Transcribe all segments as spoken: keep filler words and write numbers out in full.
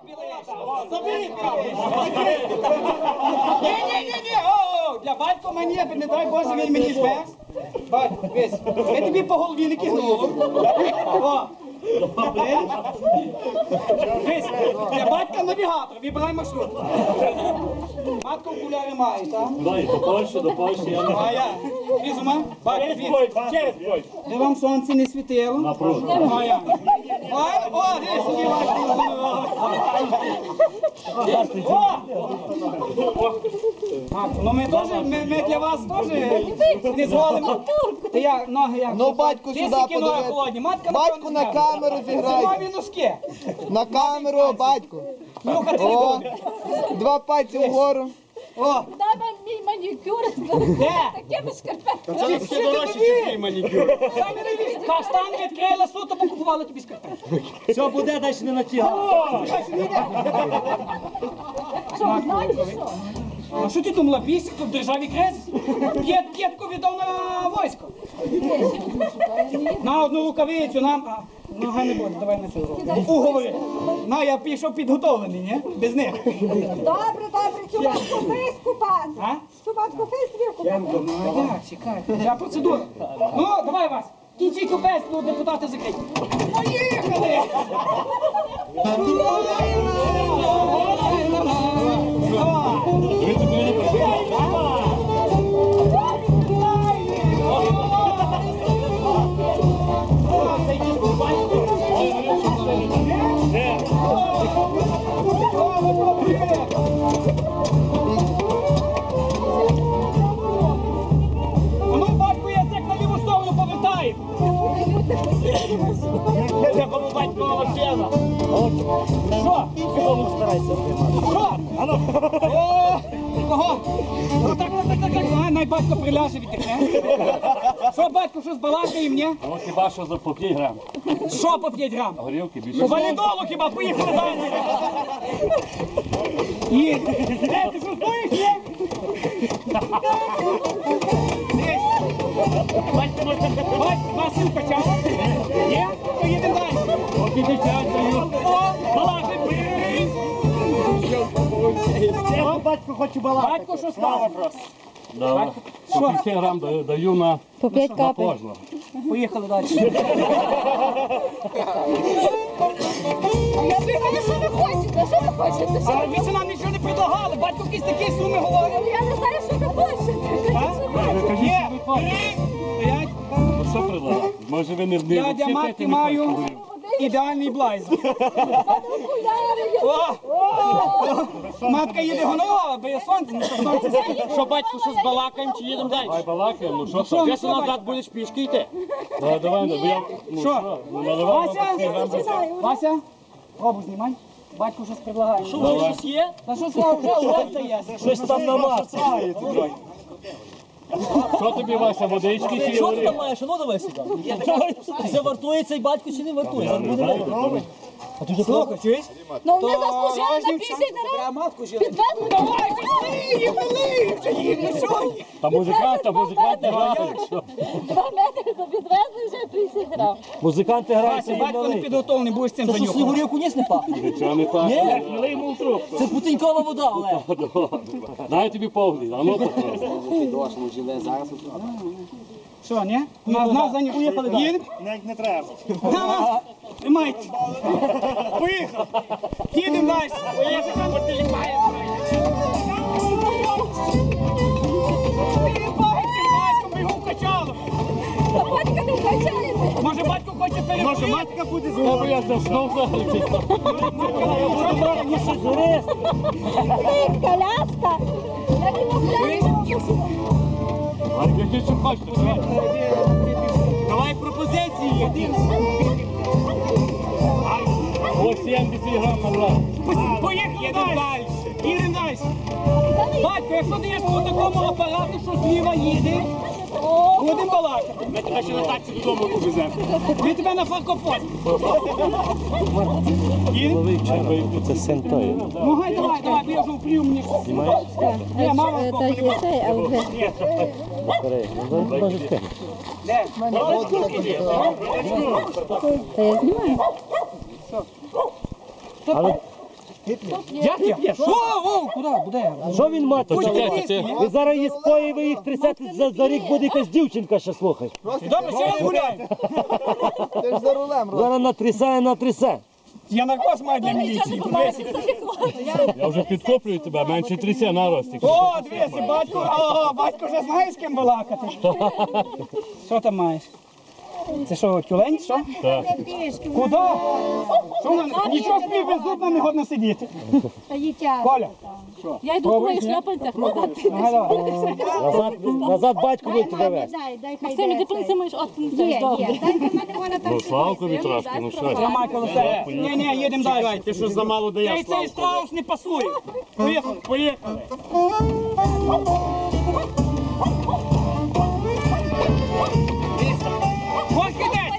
Ні-ні-ні, о, для батька мені, не дай Боже, він мені зверх. Батько, весь, я тобі по голові не кигнуло. О, весь, для батька навігатор, вибирай маршрут. Матка окуляри має, так? Дай, до Польщі, до Польщі, я не А я, візума, батько, Через віз. Польщу, через Польщу. Де вам сонце не світило? Напроти. А я. Ой, о, де собі Матко, ну ми теж, ми, ми для вас теж не зволимо. Ти як, ноги як? Ну, батьку Ти сюди скільки ноги подивись. холодні? Матка Батьку на камеру зіграй. Зимові носки. На камеру, батьку. Нюхати О, не два пальці вгору. О, Дай вам мій манікюр з де? такими шкарпетками. Це ще дорожче, ніж мій манікюр. Самі не віз. Каштан відкрила, суто покупували тобі скарпетки. Все буде, далі не натягати. А що ти думала, бісик тут в державі кризис? П'єт, п'єтку віддав на військо. На одну рукавицю, нам... А, нога не буде, давай на цю. Уговори. На, я пішов підготовлений, ні? Без них. Добре, добре, чувачку, фейс купати. А? Чувачку, фейс твір купати. Ну, а як, чекай. Ця процедура. Ну, давай вас. Кінчий купець, ну, депутати закриті. Поїхали! Ну, батько, я так на ліву сторону повертаю. Це кому батькова машина. Що? Кому старайся приймати? Що? Ану. О, кого? Ну, так, так, так, так, так. Най батько приляже відтихне. Що, батько, що збалакає мені? Ну хіба що за по п'ять грам. Що по п'ять грам? Горілки більше. Валідолу хіба, поїхали далі. Є. Е, ти що, стоїш, є? Батько, батько, Василь качав? Є? То їдемо далі. Поки дитя даю. О, балакай, бий. Я батько хочу балакати. Батько, що сказав? Добре. По п'ять грам даю, даю на, на кожного. Поїхали далі. Я не знаю, що ви хочете, що ви хочете? Що? А ви це нам нічого не предлагали, батько якісь такі суми говорить. Я не знаю, що ви хочете. А? Є, три, стоять. Ну що предлагати? Може ви не в Я для матки маю ідеальний блайз. О! Матка їде гонова, бо я сонце не сонце. Що, батько, що збалакаємо чи їдемо далі? Ай, балакаємо, ну що Що, там? ну Ти що, назад батько? будеш пішки йти. Давай, давай, ну, я, ну Що? що, ну наливай Вася, по п'ять грам. Вася, робу знімай. Батько щось предлагає. Що, вже щось є? Та що слава, вже ось є. Щось там намацає. Що тобі, Вася, водички чи Що ти горілки? там маєш? Ну давай сюди. Це вартує цей батько чи не вартує? Зараз буде видно. А ти вже Слухай, чуєш? Ну, вони заслужили на п'ятдесят грам. Підвезли. Давай, їм, вали, їм, ну що? Та музикант, та музиканти грають. Що? Два метри то підвезли вже тридцять грам. Музиканти грають, Вася, їм батько не налий. підготовлений, будеш цим Це що, занюхати. снігурівку ніс не пахне? Нічого не так. Ні? Налий йому в трубку. Це путинькова вода, Олег. Дай тобі повний, а ну попробуй. Що, ні? На, на, занюхати. Поїхали далі. Їдемо? Не треба. На, тримайте. Поїхали. Їдемо далі. Поїхали. Ти бачиш, батько, ми його вкачали. Та батька не вкачаєте. Може, батько хоче перепити? Може, матка буде з тобою, я заснув взагалі. Ти коляска. Я не мовляю. А які що хочете? Давай пропозиції. Ось сімдесят грам набрав. Поїхали далі. Їдемо далі. Батько, якщо даєш по такому апарату, що зліва їде, будемо балакати. Ми тебе ще на таксі додому повеземо. Ми тебе на фаркофон. Їдемо? Це син той. Ну гай, давай, давай, бо я вже впрію мені. Ні, мама з боку не буде. Де? Як я? Що? О, куди? Буде? Що він мати? Чекайте, це- Ви зараз її споїли, ви їх трясете, за, за рік буде якась дівчинка ще, слухай. Добре, ще раз гуляємо. Ти ж за рулем, Рос. Зараз натрясає, натрясе. Я наркоз маю для міліції. Я вже підкоплюю тебе, менше трясе на рості. О, дивися, батько, о, батько вже знає, з ким балакати. Що там маєш? Це що, тюлень, що? Так. Куди? Що вона? Нічого собі без зубна не годно сидіти. Коля, Я йду твої шляпанцях подати. ага, давай. Назад, назад батько буде тебе вести. Максим, ти принеси мої от принесеш, добре. Ну, Славкові трошки, ну що? Тримай коло себе. Ні, ні, їдемо далі. Ти що замало Цей, даєш, цей страус не пасує. Поїхали, поїхали. Ось кидець.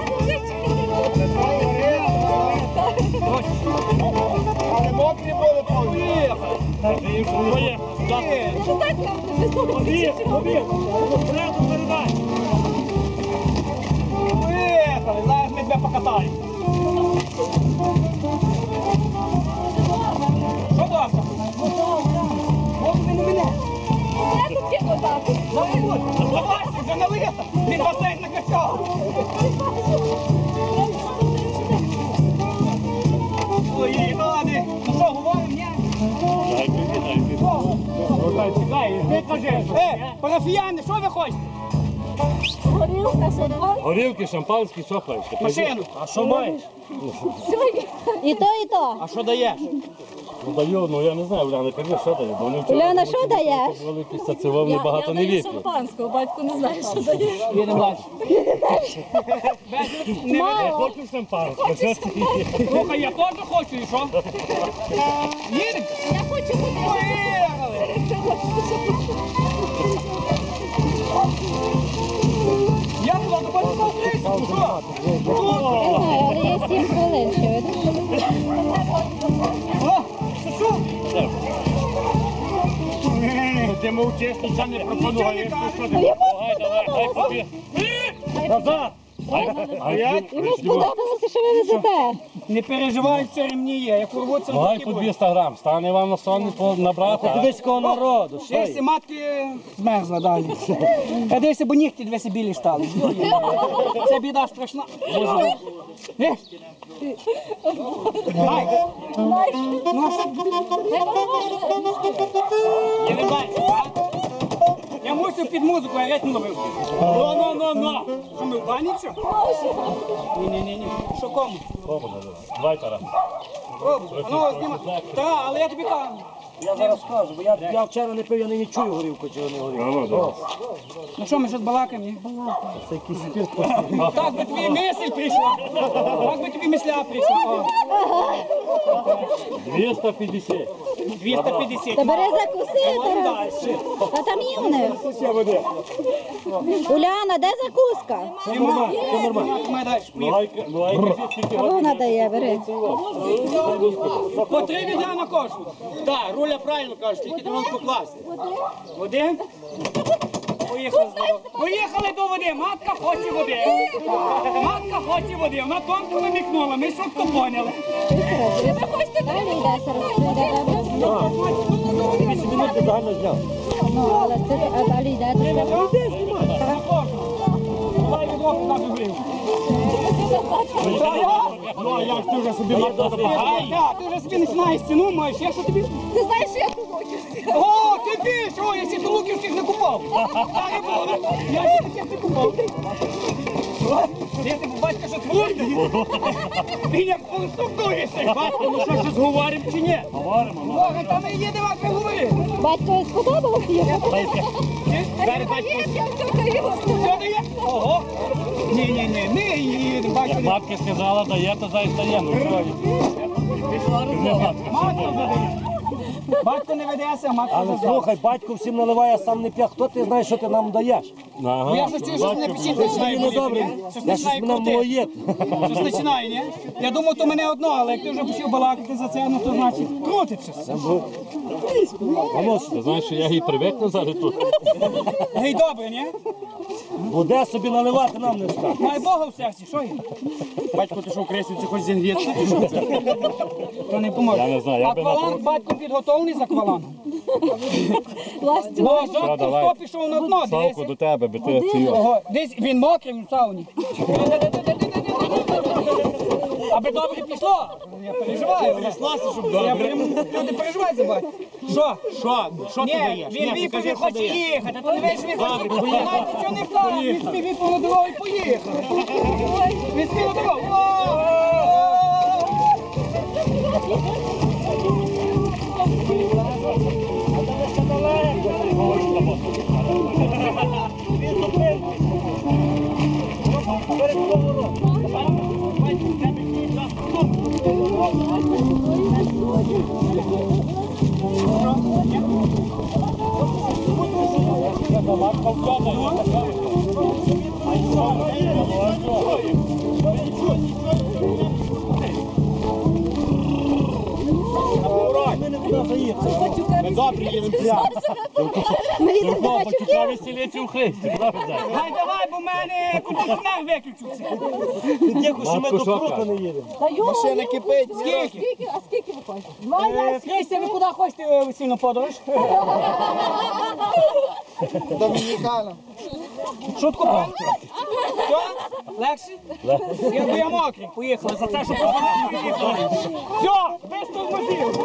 Але мокрі були повні. Поїхали. Побіг, побіг, впереду передай. Поїхали, зараз ми тебе покатаємо. Що Даша? Ось мене мене. Давай, вже налито. Він басейн накачав. Поїхали. Ну що, говоримо, ні? Чекай, ти кажеш. Е, парафіяни, що ви хочете? Горілка, що два? Горілки, шампанські, що хочеш? Машину. А що маєш? І то, і то. А що даєш? Ну даю, ну я не знаю, Уляна, кажи, що дає. Бо вони вчора Уляна, були що даєш? великі сацевовні, багато не вип'ють. шампанського, батько не знає, що дає. Їдемо далі. Не веде. Хочу шампанське, що ти? Слухай, я теж хочу, і що? Їдемо? Я хочу бути. Поїхали. Я туди доходжу на Україну, що? Не знаю, але є сім хвилин ще. О, це що? Ти мовчиш, нічого не Нічого не пропонуєш. кажеш. Давай, давай, хай побіг. Назад! А я? Йому сподобалося, що ви везете. Не переживай, це ремні є. Як урвуться, Ну, гай так і по буде. двісті грам, стане вам на сон набрати. а? Дивись кого народу, що Дивися, є? матки змерзла далі. Я дивися, бо нігті дві білі стали. Це біда страшна. Е? Ай. Ну, а що? Їдемо далі, а? Я мусив під музику, я ритм ловив. Ну, ну, ну, ну. Що ми в бані, що? Ні, ні, ні, ні. Що кому? Давай, Тарас. О, ну, знімай. Та, але я тобі кажу. Я зараз скажу, бо я, я вчора не пив, я не чую горілку, чи не горілку. Ну, давай. Ну що, ми щось балакаємо, ні? Це якийсь спірт. Так би тобі мисль прийшла. Так би тобі мисля прийшла. О, двісті п'ятдесят. двісті п'ятдесят. Та бери закуси, Говоримо Тарас. далі. А там є в них. Уляна, де закуска? Нема. Тримай далі. Ну, гай, ну, гай, кажи, скільки А вона дає, бери. По три відра на кожну. Так, Руля правильно каже, тільки треба покласти. Води. Поїхали з води. Поїхали до води. Матка хоче води. Матка хоче води. Вона тонко намікнула. Ми швидко поняли. Далі йде, зараз йде, добре? вісім минут ти загально зняв. Ну, але це, а далі йде. На кожну. Давай відро туди вигрів. Ну, а як ти вже собі мати Ай, так, ти вже собі починаєш ціну, маєш. Я що тобі? Ти знаєш, що я тут? О, ти більш! О, я ще луківських не купав. Так і було. Я ще таких не купав. Ти ти батька що творить? Він як конструктуєшся. Батько, ну що, щось говоримо чи ні? говоримо? Ну, Бога, там і їдемо, як ви говорили. Батько сподобалося їм? Зараз батько все дає. Ого. Ні, ні, ні, ми їдемо, батько. матка сказала, дає, то зай стає. Ну, що? Не матка. Матка задає. Батько не ведеться, а матко Але зазвала. слухай, батько всім наливає, а сам не п'є. Хто ти знаєш, що ти нам даєш? Ага. Я ж чую, що не печінка починає Мені боліти, добре. ні? Щось Я щось починає мене крутити. млоє. Щось починає, ні? Я думав, то мене одно, але як ти вже почав балакати за це, ну то значить крутить щось. Ти знаєш, що я їй привикну зараз тут. Гей, добре, ні? Буде собі наливати, нам не скаже. Має Бога в серці, що є? Батько, ти що в кресниці хоч зігріти? То не поможе. Я не знаю, я би на Акваланг, батько підготовлений з аквалангом. Ластю. Бо Що, жовтий давай. хто пішов на дно, Савку дивися. до тебе, би ти ці. Ого, десь він мокрий в сауні. Аби добре пішло. Я переживаю. Сласти, щоб Я добре. прям, люди переживають за батько. Що? Що? Що ти Ні, даєш? він Ні, віпав, покажи, він що хоче даєш. їхати, то не весь він хоче. Добре, поїхали. Знаєте, що не так, він собі віпав на дорогу і поїхав. Він собі на дорогу. О! Ми не туди заїхали. Ми добре їдемо прямо. Ми їдемо до Гачуків. Почекав селіці у Христі, правда? Гай, давай, бо в мене кондиціонер виключився. Дякую, що ми Матко, до що Крупа каже? не їдемо. Та йо, Машина йо, кипить. Скільки? Скільки? А скільки виходить? Два Е, ящики. Христя, ви куди хочете е, весільну подорож? Домінікана. Шутку правильно? Що? Легше? Я, бо я мокрий, поїхали. За те, що позвонили, поїхали. Все, без тормозів.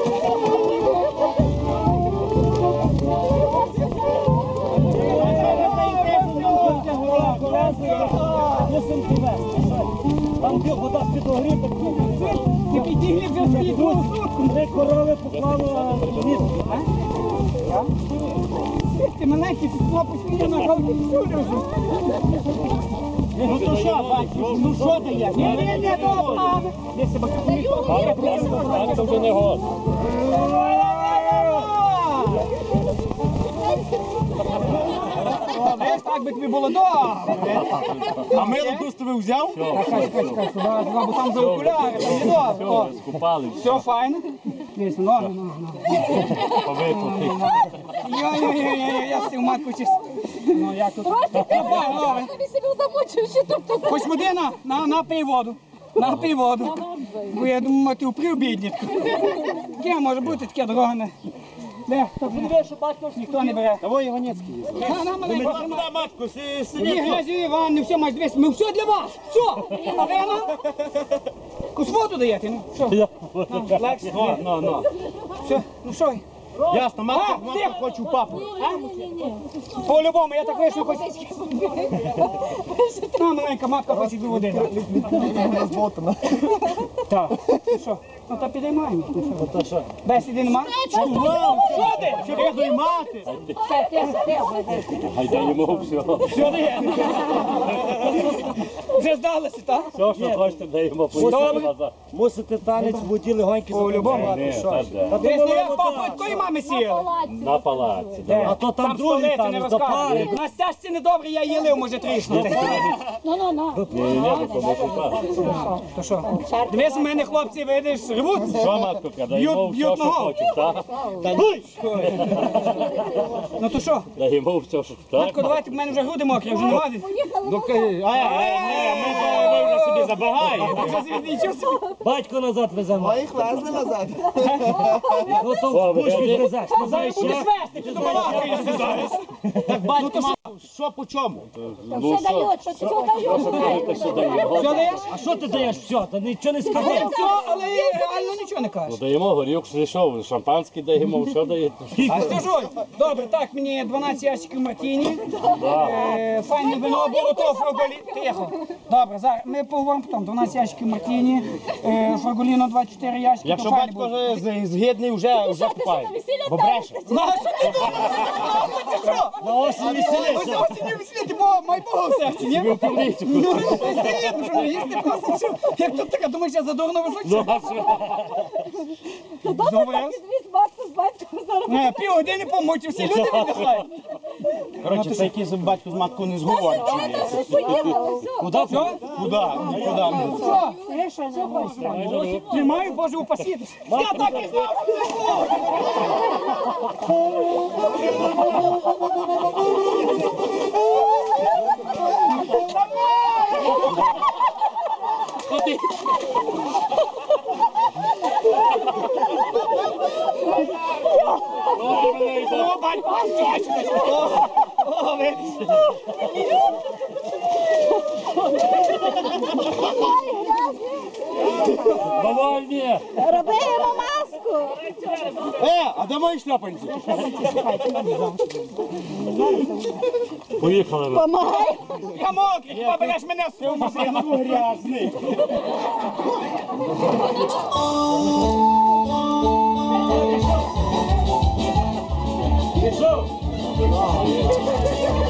Мусимо повезти. Там де вода підогріта. Ти підігрів вже свої другу сутку. Три корови поклало місце. Ти маленький, ти хлопець, я на кавці всюди. Ну то що, бачиш, ну що дає? Ні, ні, ні, добре. Де себе Так, це вже не год. Знаєш, так би тобі було добре. А мило кустове взяв? Чекай, чекай, чекай, сюди, сюди, бо там за окуляри, там не добре. О, Все, скупали, все файно. Дивіться, ну, ну, ну. повикупи. Йой-йой-йой, я з цим матку чись. Ну, як тут? Просто Ти добре. тобі себе замочив, що тут. Хоч води на, на, напий воду. Напий воду. Бо я думаю, ти упрів біднітку. Таке може бути, таке дорога не. Де? Хто подивив, що батько ж ніхто не бере. Того Іванецький є. На, на, маленько, тримай. матку, си- Ні, грязю Іван, не все маєш дивись. Ми все для вас. Все. А ви на? Кусмоту даєте, ну. Що? На, Лекс. Ну, ну, ну. Все, ну що? Ясно, матка, А, матка тихо. хочу папу. По-любому, я так вийшов, хоч. На, маленька матка хоче дві води. Розботана. Так. Ну що? Ну та підіймаємо. Ну що? То що? Бесіди нема? Що ти? Що ти доймати? Гайда йому все. Що ти? Вже здалося, так? Все, що хочете, даємо поїхати назад. Мусите танець в воді легонькі По-любому. Ні, так де. Та Десь то не я вода. папу такої мами сіяли. На палаці. Де? А то там другий столиці танець, не до розказує. пари. На стяжці недобре, я її лив, може тріснути. Ну, ну, ну. Ні, ні, ні, то може так. То що? Дивись, у мене хлопці, видиш, рвуться. Що, матко, даємо Б'ють- б'ють все, що ногу. хочеш, так? Ну то що? Даємо все, що так. Матко, давайте, в мене вже груди мокрі, вже не годин. Ну кажи, ай, ай, ай, ми то ви вже собі забагаємо. Вже собі нічого собі. Батько назад веземо. А їх везли назад. Ну то О, в буш ви відвезеш. Ну, знаєш, Будеш я- вести, ти добалакаєшся зараз. Так, батько, мав, що по чому? Ну Все що, дають, що все дають. що кажете, що даємо? Що даєш? А що ти даєш? Все, та нічого не скажи. Все, але реально нічого не Ну кажеш. даємо горілку, що, шампанське даємо, що даєте? А скажу, добре, так, мені дванадцять ящиків мартіні, е, файне вино було, то фраголі... Тихо. Добре, зараз ми поговоримо потім, дванадцять ящиків мартіні, е, фраголіно двадцять чотири ящики, Якщо то файне батько було. з- згідний, вже, вже купає. Бо бреше. Ну, а що ти думаєш? Ти що? На осінь Ось веселися. осінню веселіти, бо май Бога в серці, ні? Ну, звісно, що не їсти просто, що? Як тут така, думаєш, я задурно височу? Добре, Добре. так відвіз батько з батько зараз. Е, Півгодини помочі, всі люди віддихають. Коротше, це якийсь батько з маткою не зговорить. Куди? Що? Куди? Куди? Що? Тримаю, Боже, упасіть. Я так і знав, що це було. О, батько, точно. О, о, видиш. Давай, ні. Роби йому маску. Е, а де мої шльопанці? Поїхали ми. Помагай. Я мокрий, хіба береш мене з свою машину? Грязний. Пішов.